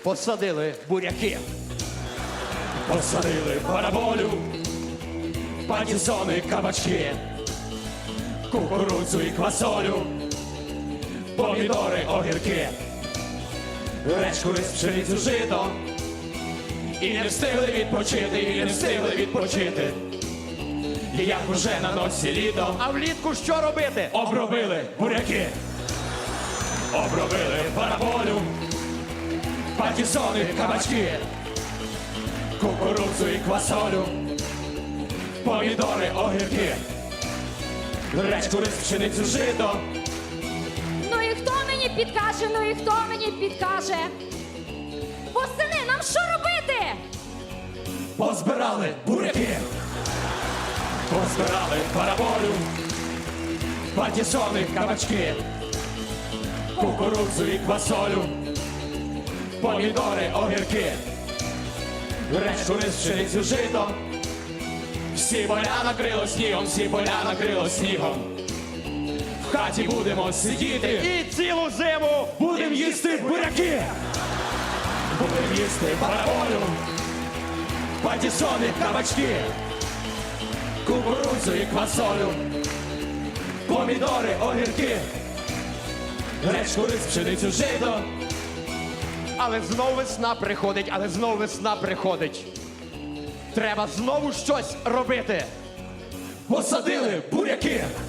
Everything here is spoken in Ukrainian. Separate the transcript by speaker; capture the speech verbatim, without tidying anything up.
Speaker 1: посадили буряки.
Speaker 2: Посадили параболю, патісони, кабачки, кукурудзу і квасолю, помідори, огірки, речку, рис, пшеницю, жито. І не встигли відпочити, і не встигли відпочити. І як уже на носі літо,
Speaker 1: А влітку що робити?
Speaker 2: обробили буряки, обробили параболю, патісони, кабачки, кукурудзу і квасолю, помідори, огірки, речку, рис, пшеницю, жито.
Speaker 3: Ну і хто мені підкаже, ну і хто мені підкаже? Восени, нам що робити?
Speaker 2: Позбирали буряки, позбирали параболю, патісони, кабачки, кукурудзу і квасолю, помідори, огірки, речку, рис, пшеницю, жито. Всі поля накрило снігом, всі поля накрило снігом. В хаті будемо сидіти
Speaker 1: І цілу зиму
Speaker 2: будем їсти буряки, будем їсти параболю, патісони, кабачки, кукурудзу і квасолю, помідори, огірки, речку, рис, пшеницю, жито.
Speaker 1: Але знов весна приходить, але знов весна приходить. Треба знову щось робити.
Speaker 2: Посадили буряки,